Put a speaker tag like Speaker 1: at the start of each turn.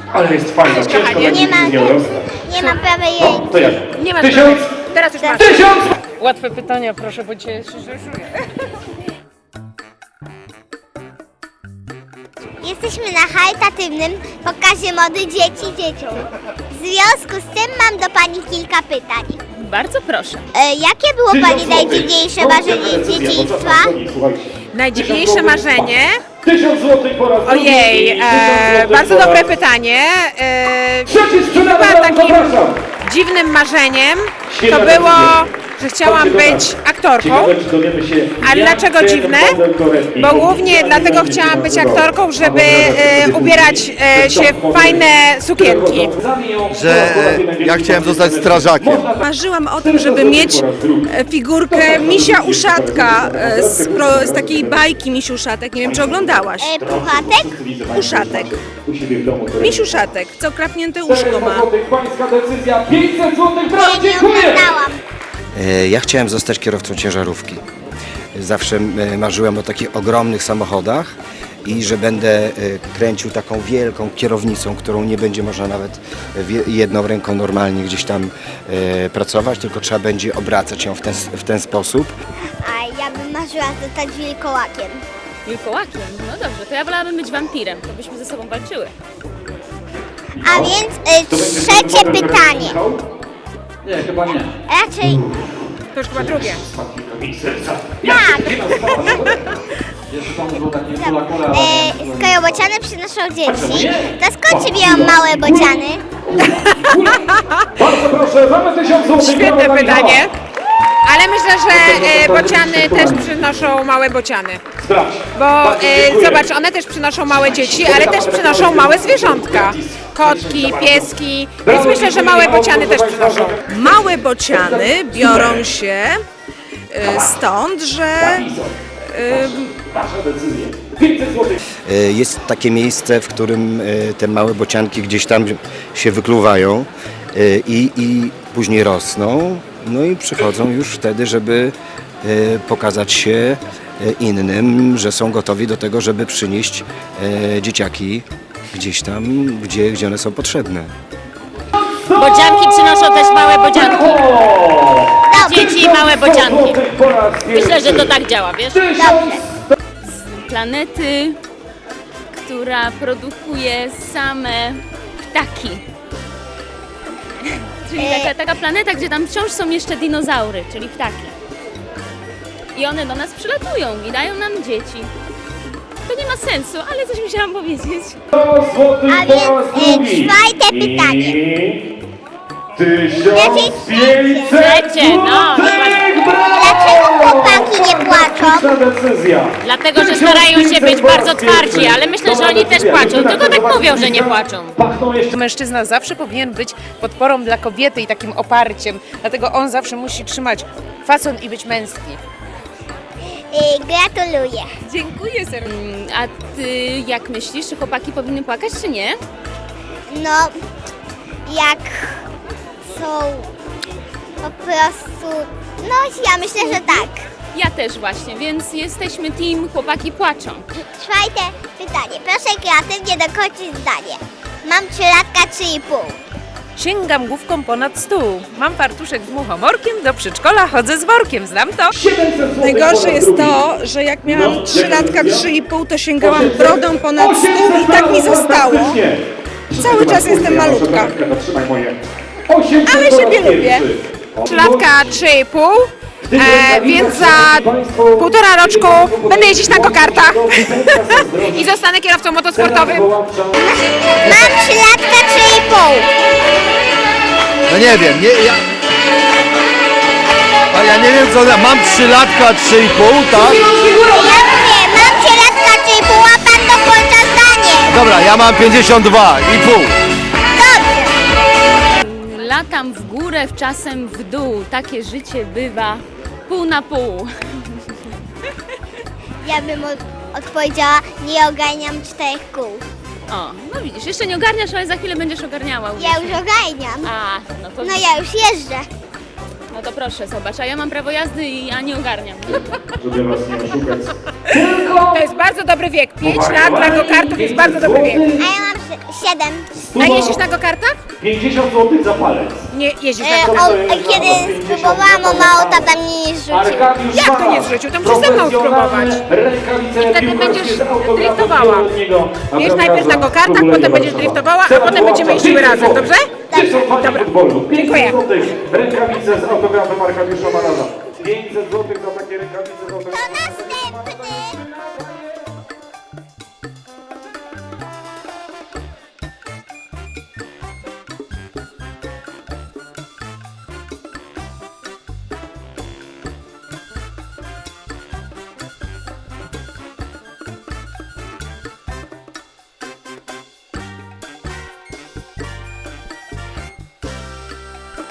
Speaker 1: Ale jest fajna, ciężko
Speaker 2: nie
Speaker 1: z nią rozstać.
Speaker 2: Nie ma prawej ręki.
Speaker 1: To ja.
Speaker 3: Nie ma
Speaker 1: 1000!
Speaker 3: Teraz już masz.
Speaker 1: 1000!
Speaker 3: Łatwe pytania, proszę, bo cię się rzeszuję.
Speaker 2: Jesteśmy na charytatywnym pokazie mody dzieci dzieciom. W związku z tym mam do Pani kilka pytań.
Speaker 4: Bardzo proszę.
Speaker 2: Jakie było Pani najdziwniejsze marzenie z dzieciństwa?
Speaker 3: Najdziwniejsze marzenie?
Speaker 1: 1000 zł po raz drugi.
Speaker 3: Ojej,
Speaker 1: 1000 złotych
Speaker 3: bardzo
Speaker 1: po raz-
Speaker 3: dobre pytanie.
Speaker 1: Trzeci sprzedany,
Speaker 3: Chyba takim
Speaker 1: zapraszam.
Speaker 3: dziwnym marzeniem to
Speaker 1: Świetna
Speaker 3: było,
Speaker 1: decyzja.
Speaker 3: że chciałam być aktorką.
Speaker 1: Ciekawe, czy dowiemy się,
Speaker 3: Ale
Speaker 1: jak
Speaker 3: dlaczego
Speaker 1: ten
Speaker 3: dziwne?
Speaker 1: model torebki
Speaker 3: Bo głównie
Speaker 1: oficjalnie
Speaker 3: dlatego
Speaker 1: będzie
Speaker 3: chciałam być
Speaker 1: nazywał.
Speaker 3: aktorką, żeby
Speaker 1: Albo
Speaker 3: ubierać się w fajne sukienki.
Speaker 5: Że ja chciałem zostać strażakiem.
Speaker 6: Marzyłam o tym, żeby mieć figurkę misia Uszatka z takiej bajki Misiu Uszatek. Nie wiem, czy oglądałaś.
Speaker 2: Puchatek?
Speaker 6: Uszatek.
Speaker 1: U siebie w domu torebki.
Speaker 6: Misiu Uszatek, co krapnięte łóżko ma.
Speaker 1: Pańska decyzja, 500 zł, brawo,
Speaker 2: Nie
Speaker 1: dziękuję!
Speaker 2: oglądałam.
Speaker 7: Ja chciałem zostać kierowcą ciężarówki. Zawsze marzyłem o takich ogromnych samochodach i że będę kręcił taką wielką kierownicą, którą nie będzie można nawet jedną ręką normalnie gdzieś tam pracować, tylko trzeba będzie obracać ją w ten sposób.
Speaker 2: A ja bym marzyła zostać wilkołakiem.
Speaker 4: Wilkołakiem? No dobrze, to ja wolałabym być wampirem, to byśmy ze sobą walczyły.
Speaker 2: A więc trzecie pytanie.
Speaker 1: Nie, chyba nie.
Speaker 2: Raczej
Speaker 3: To już chyba drugie.
Speaker 2: tak.
Speaker 1: Jeszcze tam było takie kula,
Speaker 2: Skoro bociany przynoszą dzieci, to skąd się biorą małe bociany?
Speaker 1: Bardzo proszę, mamy 1000 zł.
Speaker 3: Świetne pytanie. Ale myślę, że bociany też przynoszą małe bociany.
Speaker 1: Sprawdź.
Speaker 3: Bo zobacz, one też przynoszą małe dzieci, ale też przynoszą małe zwierzątka. Kotki, pieski, więc myślę, że małe bociany też przynoszą.
Speaker 6: Małe bociany biorą się stąd, że
Speaker 1: Wasza decyzja. 500 zł.
Speaker 7: Jest takie miejsce, w którym te małe bocianki gdzieś tam się wykluwają i później rosną. No i przychodzą już wtedy, żeby pokazać się innym, że są gotowi do tego, żeby przynieść dzieciaki gdzieś tam, gdzie one są potrzebne.
Speaker 4: Bodzianki przynoszą też małe bodzianki. Dzieci i małe bodzianki.
Speaker 1: Po raz
Speaker 4: Myślę, że to tak działa, wiesz?
Speaker 1: 1000.
Speaker 4: Z planety, która produkuje same ptaki. Czyli taka planeta, gdzie tam wciąż są jeszcze dinozaury, czyli ptaki. I one do nas przylatują i dają nam dzieci. To nie ma sensu, ale coś musiałam powiedzieć.
Speaker 1: 100 złotych
Speaker 2: A
Speaker 1: po
Speaker 2: więc,
Speaker 1: raz drugi.
Speaker 2: czwarte pytanie.
Speaker 1: I 1500
Speaker 4: Trzecie, no.
Speaker 1: złotych,
Speaker 2: Dlaczego
Speaker 1: brawo!
Speaker 2: chłopaki nie płaczą?
Speaker 1: Fantastyczna decyzja.
Speaker 4: Dlatego, że starają się być bardzo twardzi, ale myślę, że oni też płaczą, tylko tak mówią, że nie płaczą.
Speaker 1: Pachną jeszcze
Speaker 3: Mężczyzna zawsze powinien być podporą dla kobiety i takim oparciem, dlatego on zawsze musi trzymać fason i być męski.
Speaker 2: Gratuluję.
Speaker 3: Dziękuję serdecznie.
Speaker 4: A ty jak myślisz, czy chłopaki powinny płakać, czy nie?
Speaker 2: No, jak są po prostu... No, ja myślę, że tak.
Speaker 4: Ja też właśnie, więc jesteśmy team chłopaki płaczą.
Speaker 2: Czwarte pytanie. Proszę kreatywnie dokończyć zdanie. Mam 3 latka, 3,5.
Speaker 6: sięgam główką ponad stół. Mam fartuszek z muchomorkiem, do przedszkola chodzę z workiem, znam to.
Speaker 1: 700 złotych po
Speaker 6: Najgorsze
Speaker 1: raz
Speaker 6: jest
Speaker 1: drugi.
Speaker 6: to, że jak miałam 3 latka, 3,5, to sięgałam brodą ponad stół i tak mi zostało.
Speaker 1: Fantastycznie.
Speaker 6: Cały czas jestem malutka.
Speaker 1: Zatrzymaj moje. 800
Speaker 6: Ale
Speaker 1: po raz
Speaker 6: siebie lubię.
Speaker 1: pierwszy.
Speaker 3: 3 latka, 3,5, więc za 1,5 roczku będę jeździć na go-kartach i zostanę kierowcą motosportowym.
Speaker 2: Mam 3 latka, 3,5.
Speaker 5: No nie wiem, ja nie wiem co, mam 3 latka, 3,5, tak?
Speaker 2: Ja mówię, mam 3 latka, 3,5, a pan dokończa zdanie.
Speaker 5: Dobra, ja mam 52,5.
Speaker 2: Dobrze.
Speaker 4: Latam w górę, czasem w dół. Takie życie bywa pół na pół.
Speaker 2: Ja bym odpowiedziała, nie ogarniam 4 kół.
Speaker 4: O, no widzisz, jeszcze nie ogarniasz, ale za chwilę będziesz ogarniała.
Speaker 2: Ja już ogarniam.
Speaker 4: A, no to,
Speaker 2: No ja już jeżdżę.
Speaker 4: no to proszę, zobacz, a ja mam prawo jazdy i ja nie ogarniam.
Speaker 1: Żeby was nie oszukać.
Speaker 3: To jest bardzo dobry wiek. 5 lat dla go-kartów jest bardzo dobry wiek.
Speaker 2: A ja mam 7.
Speaker 3: A jeździsz na go-kartach?
Speaker 1: 50 zł za palec.
Speaker 3: Nie jeździsz na go-kartach.
Speaker 2: Kiedy spróbowałam, mało tata mnie nie zrzucił.
Speaker 1: Arkadiusz
Speaker 3: Jak to
Speaker 1: Mala,
Speaker 3: nie zrzucił? To musisz ze mną spróbować.
Speaker 1: Rękawice
Speaker 3: I wtedy
Speaker 1: piłkarskie
Speaker 3: będziesz
Speaker 1: z autografem
Speaker 3: driftowała.
Speaker 1: Wieloletniego
Speaker 3: Wiesz, najpierw na go-kartach,
Speaker 1: Królewskiego
Speaker 3: potem będziesz
Speaker 1: Warszawa.
Speaker 3: driftowała, a
Speaker 1: Cena
Speaker 3: potem będziemy
Speaker 1: wywoławcza
Speaker 3: jeździły
Speaker 1: 500
Speaker 3: razem,
Speaker 1: zł.
Speaker 3: dobrze?
Speaker 1: Dystansowanie
Speaker 3: Dobra.
Speaker 1: futbolu. 500
Speaker 3: Dziękuję.
Speaker 1: zł. Rękawice z autografem Arkadiusza Malana. 500 zł za takie rękawice z autografem.
Speaker 2: To następny.